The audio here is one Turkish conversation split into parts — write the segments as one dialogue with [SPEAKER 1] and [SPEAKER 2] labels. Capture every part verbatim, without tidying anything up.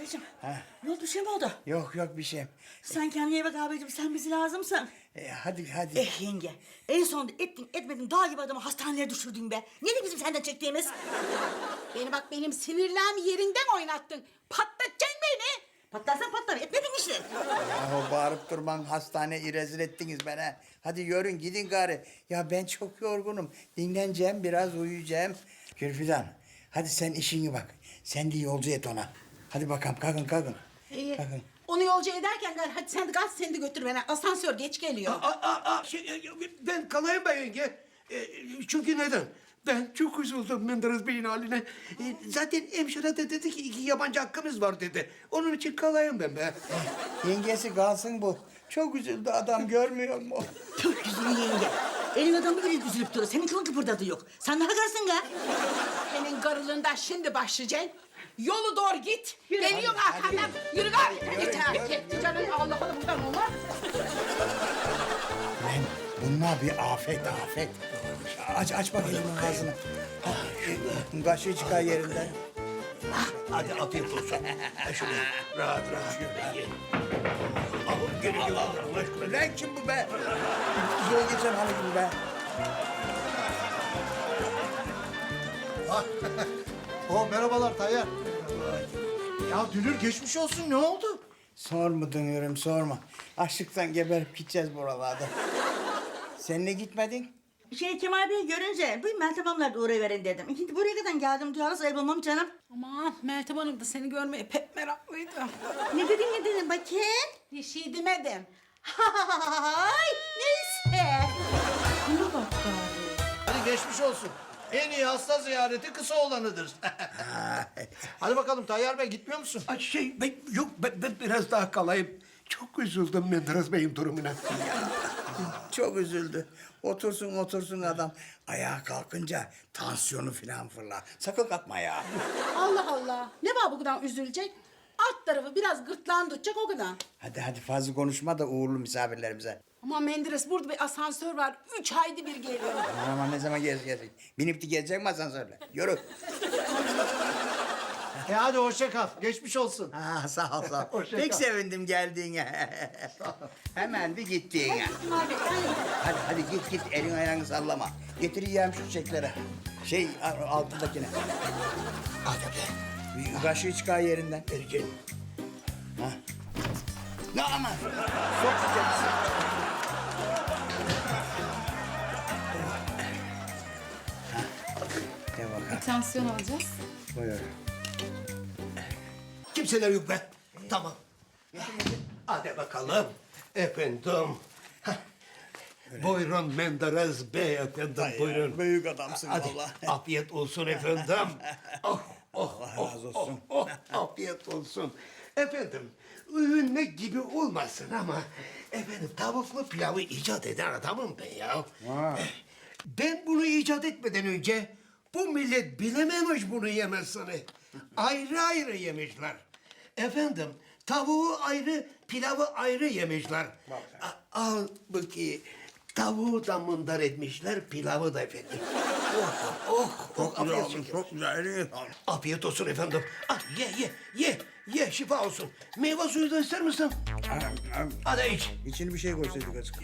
[SPEAKER 1] Abicim,
[SPEAKER 2] Ha?
[SPEAKER 1] ne oldu, bir şey mi oldu?
[SPEAKER 2] Yok yok bir şey.
[SPEAKER 1] Sen kendine iyi bak abicim, sen bize lazımsın.
[SPEAKER 2] E, hadi hadi.
[SPEAKER 1] Eh yenge, en sonunda ettin etmedin dağ gibi adamı hastaneye düşürdün be. Nedir bizim senden çektiğimiz?
[SPEAKER 3] Beni bak benim sinirlerimi yerinden oynattın. Patlatacaksın beni.
[SPEAKER 1] Patlarsan patlar, etmedin işte.
[SPEAKER 2] Yahu bağırıp durman hastaneye rezil ettiniz bana. Hadi yürün gidin gari. Ya ben çok yorgunum. Dinleneceğim biraz uyuyacağım. Gülfidan hadi sen işini bak. Sen de yolcu et ona. Hadi bakalım kalkın kalkın.
[SPEAKER 3] Ee,
[SPEAKER 2] Kalkın.
[SPEAKER 3] onu yolcu ederken gel hadi sen de gaz seni de götür beni. Asansör geç geliyor.
[SPEAKER 4] Aa, aa, aa, şey, e, ben kalayım ben yenge. E, çünkü neden? Ben çok üzüldüm Menderes Bey'in haline. E, zaten hemşire de dedi ki iki yabancı hakkımız var dedi. Onun için kalayım ben be.
[SPEAKER 2] Yengesi kalsın bu. Çok üzüldü adam görmüyor mu?
[SPEAKER 1] Çok güzel yenge. Elin adamı gibi üzülüp duruyor. Senin kılın kıpırdadı yok. Sen daha karısın ga.
[SPEAKER 3] Senin garılığından şimdi başlayacaksın. Yolu doğru git. Geliyorum arkandan. Yürü gari. Geç abi. Gitti canım. Allah Allah buradan olmaz.
[SPEAKER 2] Lan bunlar bir afet afet. Aç aç bakayım ağzını. Ah, Kaşığı çıkar yerinden.
[SPEAKER 4] Hadi afiyet olsun. Ha, şunu rahat rahat ye. Al, gel gel Allah aşkına.
[SPEAKER 2] Lan kim bu be? Yol geçen halı gibi be.
[SPEAKER 5] O merhabalar Tayyar. Ya Dünür geçmiş olsun, ne oldu?
[SPEAKER 2] Sorma dönüyorum sorma. Açlıktan geberip gideceğiz buralarda. Sen ne gitmedin?
[SPEAKER 1] Şey Kemal Bey'i görünce bir Meltem Hanım'la da uğrayıverin dedim. Şimdi buraya kadar geldim duyarız ayıbılmam canım.
[SPEAKER 3] Aman Meltem Hanım da seni görmeye pek meraklıydı.
[SPEAKER 1] Ne dedin ne dedin bakayım?
[SPEAKER 3] Bir şey demedim.
[SPEAKER 1] Hay neyse.
[SPEAKER 3] Buna bak gari.
[SPEAKER 5] Hadi geçmiş olsun. En iyi hasta ziyareti kısa olanıdır. Hadi bakalım Tayyar Bey, gitmiyor musun?
[SPEAKER 4] Ay, şey ben, yok ben, ben biraz daha kalayım. Çok üzüldüm Menderes Bey'in durumuna.
[SPEAKER 2] Çok üzüldü. Otursun otursun adam. Ayağa kalkınca tansiyonu falan fırlar. Sakın kalkma ya.
[SPEAKER 3] Allah Allah. Ne var bu kadar üzülecek? Alt tarafı biraz gırtlağını tutacak o kadar.
[SPEAKER 2] Hadi hadi fazla konuşma da uğurlu misafirlerimize.
[SPEAKER 3] Ama Menderes burada bir asansör var. Üç ayda bir geliyor.
[SPEAKER 2] Aman ne zaman gez gelecek. Binip de gelecek mi asansörle? Yürü.
[SPEAKER 5] E hadi hoşça kal. Geçmiş olsun.
[SPEAKER 2] Ha, sağ ol sağ ol.
[SPEAKER 5] Hoşça
[SPEAKER 2] Pek
[SPEAKER 5] kal.
[SPEAKER 2] sevindim geldiğine. Hemen bir gittiğine.
[SPEAKER 3] Kemal Bey, hadi.
[SPEAKER 2] Hadi hadi git git elin ayağını sallama. Getireceğim şu çiçekleri. Şey a- altındakine.
[SPEAKER 4] Hadi be.
[SPEAKER 2] Bir kaşığı çıkar yerinden.
[SPEAKER 4] Vereceğim.
[SPEAKER 2] Ha. Ne ama? Sok çiçeği. Ha. De bakalım.
[SPEAKER 3] Tansiyon alacağız.
[SPEAKER 2] Buyur.
[SPEAKER 4] Kimseler yok be. Tamam. Hadi bakalım. Efendim. Hah. Buyurun Menderes Bey efendim buyurun.
[SPEAKER 2] Büyük adamsın
[SPEAKER 4] Hadi
[SPEAKER 2] vallahi.
[SPEAKER 4] afiyet olsun efendim. Oh, oh,
[SPEAKER 2] Allah razı
[SPEAKER 4] oh,
[SPEAKER 2] olsun.
[SPEAKER 4] Oh, oh, afiyet olsun. Efendim övünmek gibi olmasın ama efendim tavuklu pilavı icat eden adamım ben ya.
[SPEAKER 2] Ha.
[SPEAKER 4] Ben bunu icat etmeden önce bu millet bilememiş bunu yemesini. Ayrı ayrı yemişler. Efendim tavuğu ayrı, pilavı ayrı yemişler. A- Al bakayım. Tavuğu da mındar etmişler, pilavı da efendim. Oh, oh, oh, afiyet olsun.
[SPEAKER 2] Çok güzel.
[SPEAKER 4] Afiyet olsun efendim. Ah, ye, ye, ye, ye, şifa olsun. Meyve suyu da ister misin? Hadi iç.
[SPEAKER 2] İçine bir şey koysaydık azıcık.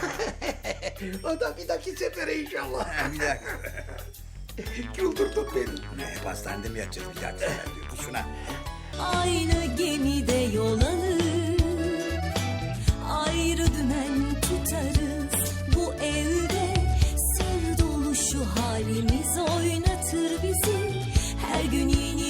[SPEAKER 4] O da bir dahaki sefere inşallah.
[SPEAKER 2] Bir dakika.
[SPEAKER 4] Güldürdün beni.
[SPEAKER 2] Ne, hastanede mi yatacağız bir dakika? Diyor. Şuna.
[SPEAKER 6] Aynı gemide yol alır, ayrı dümen tutarız. Bu evde sır dolu şu halimiz oynatır bizi. Her gün yeni